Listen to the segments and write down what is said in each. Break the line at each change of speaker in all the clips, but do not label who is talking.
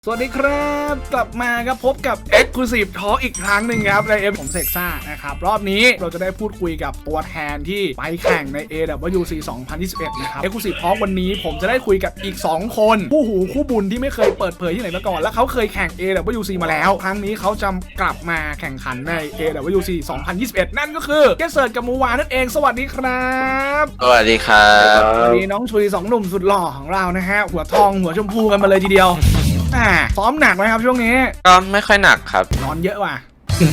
สวัสดีครับกลับมาครับพบกับ Exclusive Talk อีกครั้งหนึ่งครับในผมเซกซ่านะครับรอบนี้เราจะได้พูดคุยกับตัวแทนที่ไปแข่งใน AWC 2021 นะครับ Exclusive Talk วันนี้ผมจะได้คุยกับอีก2คนคู่หูคู่บุญที่ไม่เคยเปิดเผยที่ไหนมาก่อนและเขาเคยแข่ง AWC มาแล้วครั้งนี้เขาจะกลับมาแข่งขันใน AWC 2021 นั่นก็คือเกสเซิร์ตกับมูวานั่นเองสวัสดีครับ
สวัสดีครับ
วันนี้น้องชุย2หนุ่มสุดหล่อของเรานะฮะหัวทองหัวชมพูกันมาเลยทีเดียวซ้อมหนักไหมครับช่วงนี้
ก็ไม่ค่อยหนักครับ
นอนเยอะว่ะ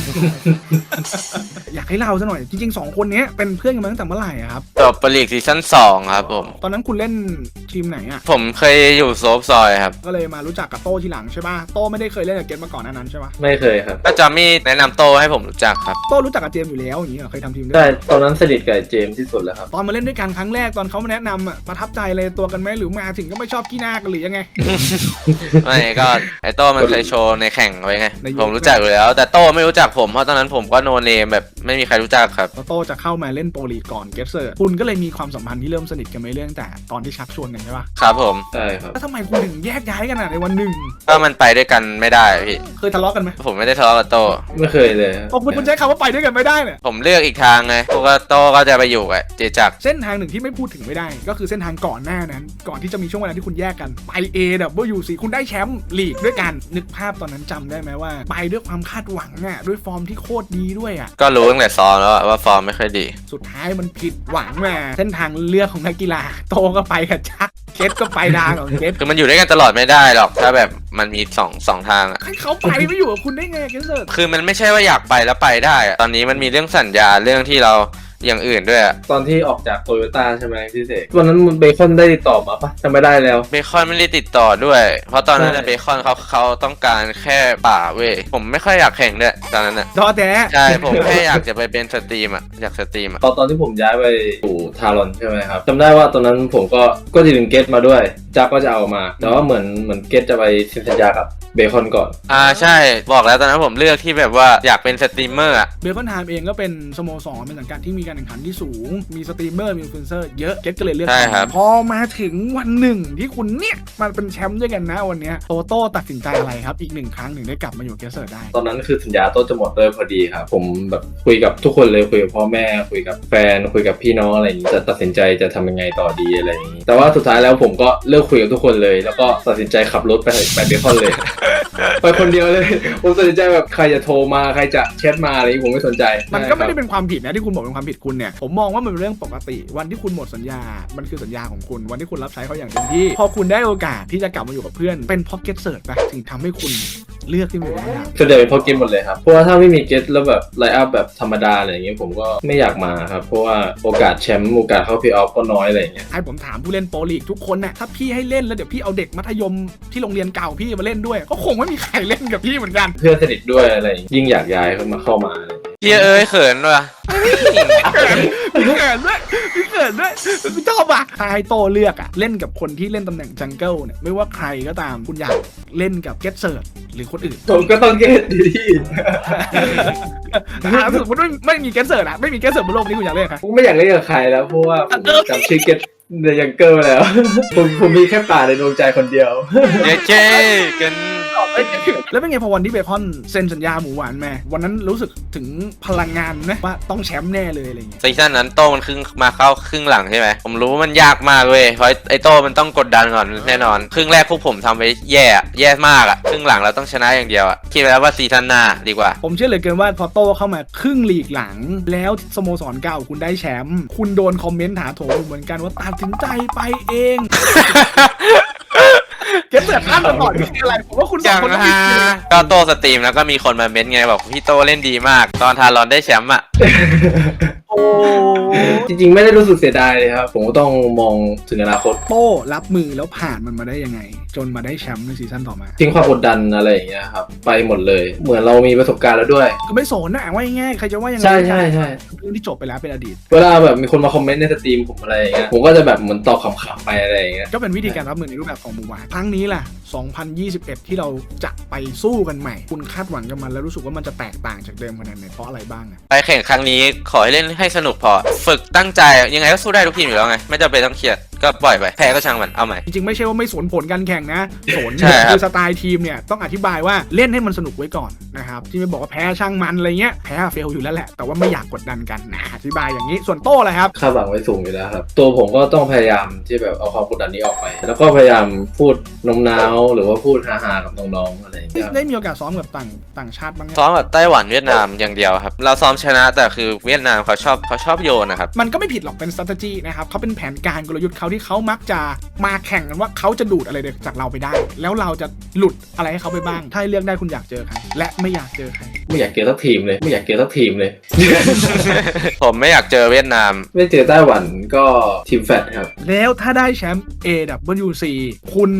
อยากให้เล่าซะหน่อยจริงๆ2คนนี้เป็นเพื่อนกันมาตั้งแต่เมื่อไหร่ครับ
จบปลีกซีซั่น2ครับผม
ตอนนั้นคุณเล่นทีมไหนอ่ะ
ผมเคยอยู่โซฟซอยครับ
ก็เลยมารู้จักกับโต้ทีหลังใช่ป่ะโต้ไม่ได้เคยเล่นกับเกมมาก่อนนั้นใช่ป่ะ
ไม่เคยครับ
ก็จอมมี่แนะนำโตให้ผมรู้จักครับ
โต้รู้จักกับเจมอยู่แล้วอย่างนี้เหรอเคยทำทีมด้วย
ใช่ตอนนั้นสนิทกับเจมที่สุดแล้วครับ
ตอนมาเล่นด้วยกันครั้งแรกตอนเขามาแนะนำอ่ะประทับใจเลยตัวกันไหมหรือมาถึงก็ไม่ชอบขี้หน้ากันหรือยังไง
ไม่ก็ไอโตมันเคยโชว์ในแข่งไว้ไงผมรู้จักอยู่แล้วแต่โตไม่รู้จักผมเพราะตอนนั้นผมก็โนเนมแบบไม่มีใครรู้จักครับ
โต้จะเข้ามาเล่นโปรลีกก่อนเกสเซอร์คุณก็เลยมีความสัมพันธ์ที่เริ่มสนิทกันไม่เรื่องแต่ตอนที่ชักชวนกันใช่ป่ะ
ครับผม
ใช่ครับ
แล้วทำไมคุณถึงแยกย้ายกันในวันหนึ่ง
ก็มันไปด้วยกันไม่ได้พี่
เคยทะเลาะกันไหม
ผมไม่ได้ทะเลาะกับโต
ไม่เคยเลย
คุณใช้คำว่าไปด้วยกันไม่ได้เนี่ย
ผมเลือกอีกทางไงพวกโตก็จะไปอยู่กับเจจัก
เส้นทางหนึ่งที่ไม่พูดถึงไม่ได้ก็คือเส้นทางก่อนหน้านั้นก่อนที่จะมีช่วงเวลาที่คุณแยกกันไป AWC คุณได้แชมป์ลีกด้วยกันนึกภาพตอนนั้นจำได้ไหมว่าไปด้วยความคาดหวังอ่ะด้วยฟอร์มที่โคตรดีด้วยอ่ะ
ก็รู้ตั้งแต่ซ้อมแล้วว่าฟอร์มไม่ค่อยดี
สุดท้ายมันผิดหวังมาเส้นทางเลือกของนักกีฬาโตก็ไปกับชักเกตก็ไปดางของเกต
คือมันอยู่ด้วยกันตลอดไม่ได้หรอกถ้าแบบมันมีสองทาง
ให้เขาไปไม่อยู่กับคุณได้ไงเกสเซอร์
คือมันไม่ใช่ว่าอยากไปแล้วไปได้ตอนนี้มันมีเรื่องสัญญาเรื่องที่เราอย่างอื่นด้วย
ตอนที่ออกจากโตโยต้าใช่ไหมพี่เสกตอนนั้นเบคอนได้ติดต่อมาปะจำไม่ได้แล้ว
เบคอนไม่ได้ติดต่อด้วยเพราะตอนนั้นเบคอนเขาต้องการแค่ป่าเว้ยผมไม่ค่อยอยากแข่งด้วยตอนนั้น
ดอแท้
ใช่ผมแค่อยากจะไปเป็นสตรีมอยากสตรีม
ตอนที่ผมย้ายไปอยู่ทารอนใช่ไหมครับจำได้ว่าตอนนั้นผมก็จะดึงเกตมาด้วยจักก็จะเอามาแต่ว่าเหมือนเกตจะไปเซ็นสัญญากับเบคอนก่อน
ใช่บอกแล้วตอนนั้นผมเลือกที่แบบว่าอยากเป็นสตรีมเมอร์
เบคอนไทม์เองก็เป็นสโมสรเป็นสังกัดที่มีการแข่งขันที่สูงมีสตรีมเมอร์มีอินฟลูเอนเซอร์เยอะเกตก็เลยเลือกพอมาถึงวันหนึ่งที่คุณเนี่ยมาเป็นแชมป์ด้วยกันนะวันนี้โตโต้ตัดสินใจอะไรครับอีก1ครั้งถึงได้กลับมาอยู่เกสเซอร์ได้
ตอนนั้นคือสัญญาโต้จะหมดเลยพอดีครับผมแบบคุยกับทุกคนเลยคุยกับพ่อแม่คุยกับแฟนคุยกับพี่น้องอะไรอย่างนี้จะตัดสินใจจะทำยังไงต่อดีอะไรอย่างนี้แต่ว่าสุดท้ายแล้วผมก็เลิกคุยกับทุกคนเลยแล้วก็ตัดสินใจขับรถไปเบคอนเลย ไปคนเดียวเลยผมตัดสินใจแบบใครจะโทรมาใครจะแชทมาอะไรผมไม่สนใจ
มันก็ไม่ได้เป็นความผิดนะที่คุณบอกเป็นความผิดคุณเนี่ยผมมองว่ามันเป็นเรื่องปกติวันที่คุณหมดสัญญามันคือสัญญาของคุณวันที่คุณรับใช้เขาอย่างเต็มที่พอคุณได้โอกาสที่จะกลับมาอยู่กับเพื่อนเป็นพ็อกเก็ตเซิร์ชไปถึงทำให้คุณเลือกที่มันเป็นอย่าง
ส่วนใหญ่เป็นพ็อกเก็ตหมดเลยครับเพราะว่าถ้าไม่มีเก็ตแล้วแบบไลน์อัพแบบธรรมดาอะไรอย่างเงี้ยผมก็ไม่อยากมาครับเพราะว่าโอกาสแชมป์โอกาสเข้าเพลย์ออฟก็น้อยอะไรอย่างเงี้ย
ให้ผมถามผู้เล่นโปรลีกทุกคนน่ะถ้าพี่ให้เล่นแล้วเดี๋ยวพี่เอาเด็กมัธยมที่โรงเรียนเก่าพี่มาเล่นด้วยก็คงไม่มีใครเล่นกับพี่เหมือนกัน
เพื่อนสนิทด้วยอะไรยิ่งอยากย้ายเข้ามา
พี่เขินว่ะ
เขินด้วยชอบอ่ะใครโตเลือกอ่ะเล่นกับคนที่เล่นตำแหน่งจังเกิลเนี่ยไม่ว่าใครก็ตามคุณอยากเล่นกับเกตเซิร์ชหรือคนอื่น
ผมก็ต้องเกตดี
สมมติไม่มีเกตเซิร์ชอ่ะไม่มีเกตเซิร์ชบนโลกนี้คุณอยากเล่นใคร
ผมไม่อยากเล่นกับใครแล้วเพราะว่าจำชื่อเกตในยังเกิลแล้วผมมีแค่ป่าในดวงใจคนเดียว
เจ๊กัน
แล้วเป็นไงพอวันที่เบคอนเซ็นสัญญาหมูหวานแม่วันนั้นรู้สึกถึงพลังงานนะว่าต้องแชมป์แน่เลยอะไรเงี้ย
ซีซั่นนั้นโต้มันมาเข้าครึ่งหลังใช่ไหมผมรู้มันยากมากเว้ยเพราะไอโต้มันต้องกดดันก่อนแน่นอนครึ่งแรกพวกผมทำไปแย่มากครึ่งหลังเราต้องชนะอย่างเดียวคิดไปแล้วว่าซีซั่นหน้าดีกว่า
ผมเชื่อเลยเกินว่าพอโต้เข้ามาครึ่งลีกหลังแล้วสโมสรเก่าคุณได้แชมป์คุณโดนคอมเมนต์ถาโถมเหมือนกันว่าตัดสินใจไปเองเก็บเสือข้ามมาก่อนคืออะไรผมว่าคุณสองคน
ก็โตสตรีมแล้วก็มีคนมาเม้นไงบอกพี่โตเล่นดีมากตอนทารอนได้แชมป์
โอ้
จริงๆไม่ได้รู้สึกเสียดายเลยครับผมก็ต้องมองถึงอนาคต
โตรับมือแล้วผ่านมันมาได้ยังไงจนมาได้แชมป์ในซีซั่นต่อมา
ทิ้งความกดดันอะไรอย่างเงี้ยครับไปหมดเลยเหมือนเรามีประสบการณ์แล้วด้วย
ก็ไม่สนนะว่าง่ายใครจะว่ายังไง
ใช่
เรื่องที่จบไปแล้วเป็นอดีต
เวลาแบบมีคนมาคอมเมนต์ในสตรีมผมอะไรอย่างเงี้ยผมก็จะแบบเหมือนตอบขำๆไปอะไรอย่างเงี้ย
ก็เป็นวิธีการรับมือในรูปแบบของหมู่หวานครั้งนี้แหละ2021ที่เราจะไปสู้กันใหม่คุณคาดหวังกับมันแล้วรู้สึกว่ามันจะแตกต่างจากเดิมขนาดไหนเพราะอะไรบ้าง
ไปแข่งครั้งนี้ขอให้เล่นให้สนุกพอฝึกตั้งใจยังไงก็สู้ได้ทุกทีมอยู่แล้วไงไม่จำเป็นต้องเครียดก็ปล่อยไปแพ้ก็ช่างมันเอาใหม่
จริงๆไม่ใช่ว่าไม่สนผลการแข่งนะสน
ใช่ครับ
คือสไตล์ทีมเนี่ยต้องอธิบายว่าเล่นให้มันสนุกไว้ก่อนนะครับที่ไม่บอกว่าแพ้ช่างมันอะไรเงี้ยแพ้เฟลอยู่แล้วแหละแต่ว่าไม่อยากกดดันกันนะอธิบายอย่างนี้ส่วนโต้เลยครับ
คาดหวังไว้สูงอยู่แล้วครับตัวผมก็ต้องพยายามที่แบบเอาความกดดันนี้ออกไป แล้วก็พยายามพูดโน้มน้าวหรือว่าพูดฮาๆกับน้องๆอะไรอย่างเงี้ย
ได้มีโอกาสซ้อมกับต่างชาติบ้างไหม
ซ้อมกับไต้หวันเวียดนามอย่างเดียวครับเราซ้อมชนะแต่คือเวียดนามเขาชอบโยนนะครับ
มันก็ไม่ผิดหรอกเป็น strategy นะครับเขาเป็นแผนการกลยุทธ์เขาที่เขามักจะมาแข่งกันว่าเขาจะดูดอะไรจากเราไปได้ แล้วเราจะหลุดอะไรให้เขาไปบ้าง ถ้าให้เลือกได้คุณอยากเจอใครและไม่อยากเจอใคร
ไม่อยากเจอสักทีมเลยไม่อยากเจอสักทีมเลย
ผมไม่อยากเจอเวียดนาม
ไม่เจอไต้หวันก็ทีมแฟตครับ
แล้วถ้าได้แชมป์ AWC คุณ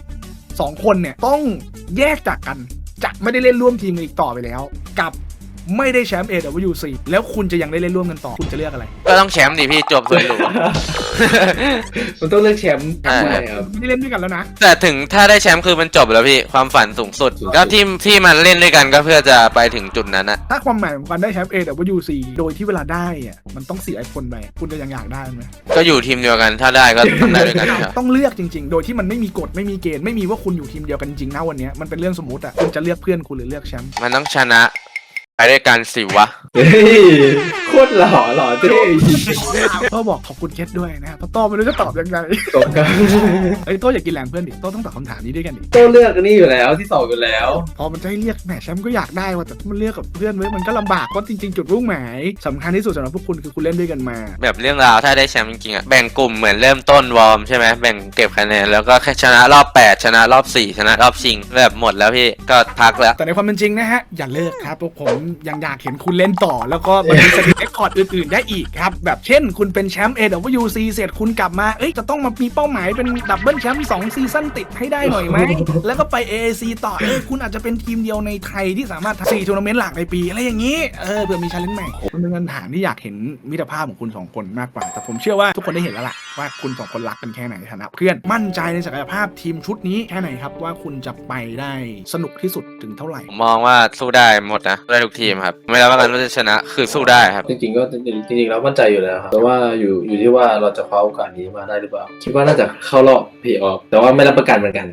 2คนเนี่ยต้องแยกจากกันจะไม่ได้เล่นร่วมทีมกันอีกต่อไปแล้ว กับไม่ได้แชมป์ AWC แล้วคุณจะยังได้เล่นร่วมกันต่อคุณจะเลือกอะไร
ก็ต้องแชมป์ดิพี่จบสวยหรู
มันต้องเลือกแชมป์
ใช่
ใช่ครับ
ไม่ได้เล่นด้วยกันแล้วนะ
แต่ถึงถ้าได้แชมป์คือมันจบแล้วพี่ความฝันสูงสุด
สูงสุด
ก็ที่มันเล่นด้วยกันก็เพื่อจะไปถึงจุดนั้นนะ
ถ้าความหมายของการได้แชมป์ AWC โดยที่เวลาได้อะมันต้องเสียไอคนไปคุณจะยังอยากได้ไหม
ก็อยู่ทีมเดียวกันถ้าได้ก็ต้องได้ด้วยกันครับ
ต้องเลือกจริงๆ โดยที่มันไม่มีกฎไม่มีเกณฑ์ไม่มีว่าคุณอยู่ทีมเดียวกันจริงนะวันนี้มันเป็นเรื่องสมมติอ่ะคุณจะเลือกเพื่อนคุณหรือเลือกแชมป์
มันต้องชนะไปด้วยกันสิวะ
เฮ้ยโคตรหล่อเท่
โต้บอกขอบคุณเคสด้วยนะครับเพราะโต้ไม่รู้จะตอบยังไง
ตรงกัน
ไอ้ยโต้อยากกินแรงเพื่อนดิโต้ต้องตอบคำถามนี้ด้วยกันดิ
ต้องเลือกอันนี้อยู่แล้วที่สองอยู่แล้ว
พอมันจะให้เรียกแหมแชมป์ก็อยากได้ว่ะแต่มันเลือกกับเพื่อนไว้มันก็ลำบากเพราะจริงๆจุดมุ่งหมายสำคัญที่สุดสำหรับพวกคุณคือคุณเล่นด้วยกันมา
แบบเรื่องราวถ้าได้แชมป์จริงๆอ่ะแบ่งกลุ่มเหมือนเริ่มต้นวอร์มใช่ไหมแบ่งเก็บคะแนนแล้วก็แค่ชนะรอบ8ชนะรอบ4ชนะรอบชิงแบบหมดแล้วพี่ก็พักแล้ว
แต่ในความเป็นจริงนะฮะอย่าเลิกครับพวกผมยังอยากเห็นคุณเล่นต่อ แล้วก็มันมีสถิติเรคคอร์ดอื่นๆได้อีกครับแบบเช่นคุณเป็นแชมป์ AWC เสร็จคุณกลับมาเอ้ยจะต้องมามีเป้าหมายเป็นดับเบิลแชมป์2ซีซั่นติดให้ได้หน่อยไหม แล้วก็ไป AAC ต่อคุณอาจจะเป็นทีมเดียวในไทยที่สามารถทำ4ทัวร์นาเมนต์หลักในปีอะไรอย่างนี้เผื่อมีชาเลนจ์ใหม่มันเป็นคำถามที่อยากเห็นมิตรภาพของคุณ2คนมากกว่าแต่ผมเชื่อว่าทุกคนได้เห็นแล้วล่ะว่าคุณ2คนรักกันแค่ไหนในฐานะเพื่อนมั่นใจในศักยภาพทีมชุดนี้แค่ไหนครับว่าคุณจะไปได้สนุกที่สุดถึงเท่าไหร่
ผมมองว่าสู้ได้หมดนะสู้ได้ทุกทีมครับไม่รับประกันว่าจะชนะคือสู้ได้ครับ
จริงๆก็จริงๆแล้วมั่นใจอยู่แล้วครับแต่ว่าอยู่ที่ว่าเราจะคว้าโอกาสนี้มาได้หรือเปล่าคิดว่าน่าจะเข้ารอบเพย์ออฟแต่ว่าไม่รับประกันเหมือนกัน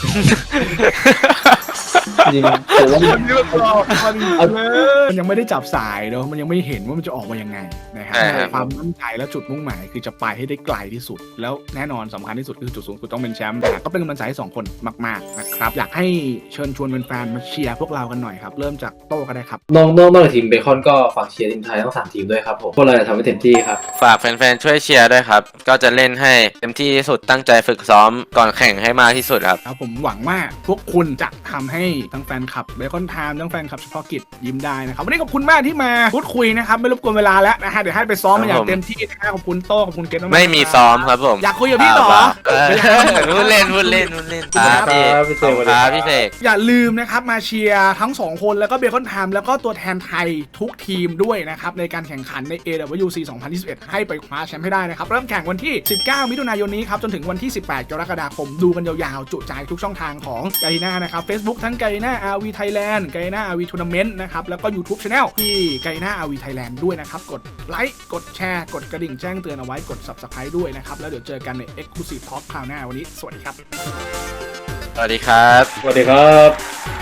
จริงๆแต่ว่า
มันยังไม่ได้จับสายเนาะมันยังไม่เห็นว่ามันจะออกมายังไงนะครับ
ใช่ครับ
ความมั่นใจและจุดมุ่งหมายคือจะไปให้ได้ไกลที่สุด แล้วแน่นอนสำคัญที่สุดคือจุดสูงสุดต้องเป็นแชมป์แต่ก็เป็นกำลังใจให้2คนมากๆนะครับอยากให้เชิญชวนแฟนๆมาเชียร์พวกเรากันหน่อยครับเริ่มจากโต้ก็ได้ครับ
นอกจากทีมเบคอนก็ฝากเชียร์ทีมไทยทั้ง3ทีมด้วยครับผมพวกเราจะทำให้เต็มที่ครับ
ฝากแฟนๆช่วยเชียร์ด้วยครับก็จะเล่นให้เต็มที่ที่สุดตั้งใจฝึกซ้อมก่อนแข่งให้มากที่สุดครับ
ครับผมหวังว่าพวกคุณจะทำให้ทั้งแฟนคลับเบคอนไทม์ทั้งแฟนคลับเฉพาะกิจยิ้มได้นะครับวันนี้ขอบคุณมากที่มาพูดคุยนะครับไม่รบกวนเวลาแล้วนะฮะเดี๋ยวให้ไปซ้อมมาอย่างเต็มที่นะขอบคุณโต้ขอบคุณเกตมากๆ
ไม่มีซ้อมครับผม
อยากคุยกับพี่ต่อ
พูดเล่นครับพี่
ครับพี่เสก
ครับพี่เสก
อย่าลืมนะครับมาเชียร์ทั้ง2คนแล้วก็เบคอนไทม์แล้วก็ตัวแทนไทยทุกทีมด้วยนะครับในการแข่งขันใน AWC 2021 ให้ไปคว้าแชมป์ให้ได้นะครับเริ่มแข่งวันที่ 19 มิถุนายนนี้ครับจนถึงวันที่ 18 กรกฎาคมดูกันยาวๆจุใจทุกช่องทางของไกน่านะครับ Facebook ทั้งไกน่า RV Thailand ไกน่า RV Tournament นะครับแล้วก็ YouTube Channel ที่ไกน่า RV Thailand ด้วยนะครับกดไลค์กดแชร์กดกระดิ่งแจ้งเตือนเอาไว้กด Subscribe ด้วยนะครับแล้วเดี๋ยวเจอกันใน Exclusive Talk คราวหน้าวันนี้สวัสดีครับ
สวัสดีครับ
สวัสดีครับ